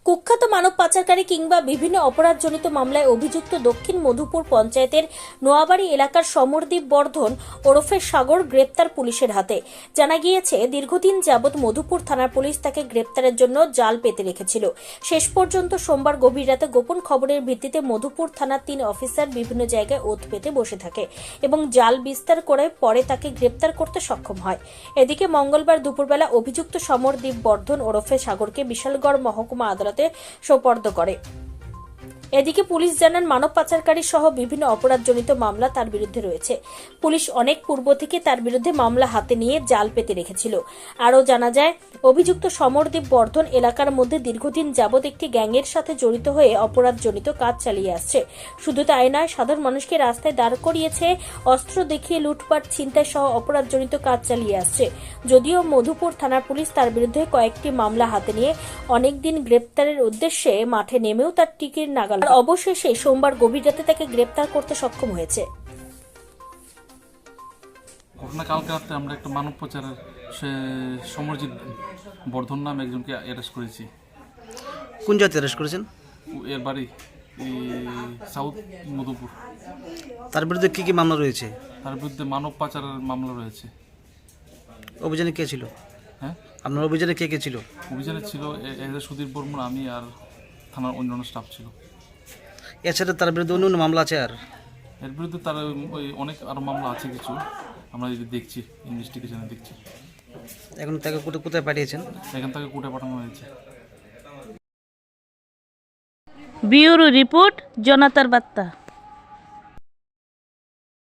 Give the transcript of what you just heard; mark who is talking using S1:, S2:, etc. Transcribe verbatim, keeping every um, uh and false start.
S1: কুখ্যাত মানব পাচারকারী কিংবা বিভিন্ন অপরাধজনিত মামলায় অভিযুক্ত দক্ষিণ মধুপুর পঞ্চায়েতের নোয়াবাড়ি এলাকার সমরদীপ বর্ধন ওরফে সাগর গ্রেপ্তার পুলিশের হাতে। জানা গিয়েছে, দীর্ঘদিন যাবৎ মধুপুর থানার পুলিশ তাকে গ্রেপ্তারের জন্য জাল পেতে রেখেছিল। শেষ পর্যন্ত সোমবার গভীর রাতে গোপন খবরের ভিত্তিতে মধুপুর থানার তিন অফিসার বিভিন্ন জায়গায় ওঁত পেতে বসে থাকে এবং জাল বিস্তার করে পরে তাকে গ্রেপ্তার করতে সক্ষম হয়। এদিকে মঙ্গলবার দুপুরবেলা অভিযুক্ত সমরদীপ বর্ধন ওরফে সাগরকে বিশালগড় মহকুমা আদালতে সোপর্দ করে। এদিকে পুলিশ জানান, মানব পাচারকারী সহ বিভিন্ন অপরাধজনিত মামলা তার বিরুদ্ধে রয়েছে। পুলিশ অনেক পূর্ব থেকে তার বিরুদ্ধে মামলা হাতে নিয়ে জাল পেতে রেখেছিল। আরও জানা যায়, অভিযুক্ত সমরদীপ বর্ধন এলাকার মধ্যে দীর্ঘদিন যাবৎ একটি গ্যাংয়ের সাথে জড়িত হয়ে অপরাধজনিত কাজ চালিয়ে আসছে। শুধু তাই নয়, সাধারণ মানুষকে রাস্তায় দাঁড় করিয়েছে, অস্ত্র দেখিয়ে লুটপাট, ছিনতাই সহ অপরাধজনিত কাজ চালিয়ে আসছে। যদিও মধুপুর থানার পুলিশ তার বিরুদ্ধে কয়েকটি মামলা হাতে নিয়ে অনেকদিন গ্রেপ্তারের উদ্দেশ্যে মাঠে নেমেও তার টিকির নাগাল অবশেষে সোমবার গভীর রাতে তাকে গ্রেপ্তার করতে সক্ষম হয়েছে।
S2: ঘটনা কালকে রাতে আমরা একটা মানব পাচারের সে সমরজিৎ বর্ধন নাম একজনকে অ্যারেস্ট করেছি।
S3: কোন জায়গাতে অ্যারেস্ট করেছেন?
S2: এর বাড়ি এই সাউথ মধুপুর।
S3: তার বিরুদ্ধে কি কি মামলা রয়েছে?
S2: তার বিরুদ্ধে মানব পাচারের মামলা রয়েছে।
S3: অভিযানে কে ছিল?
S2: হ্যাঁ,
S3: আপনার অভিযানে কে কে ছিল?
S2: অভিযানে ছিল এজ এ সুধীর বর্মন, আমি আর থানার অন্যান্য স্টাফ ছিল।
S3: এছাড়া তার বিরুদ্ধে অন্য অন্য মামলা আছে? আর
S2: এর বিরুদ্ধে তার ওই অনেক আরও মামলা আছে কিছু, আমরা যদি দেখছি, ইনভেস্টিগেশনে দেখছি।
S3: এখন তাকে কোথায় কোথায় পাঠিয়েছেন?
S2: এখান থেকে কোর্টে পাঠানো হয়েছে।
S4: ব্যুরো রিপোর্ট, জনতার বার্তা।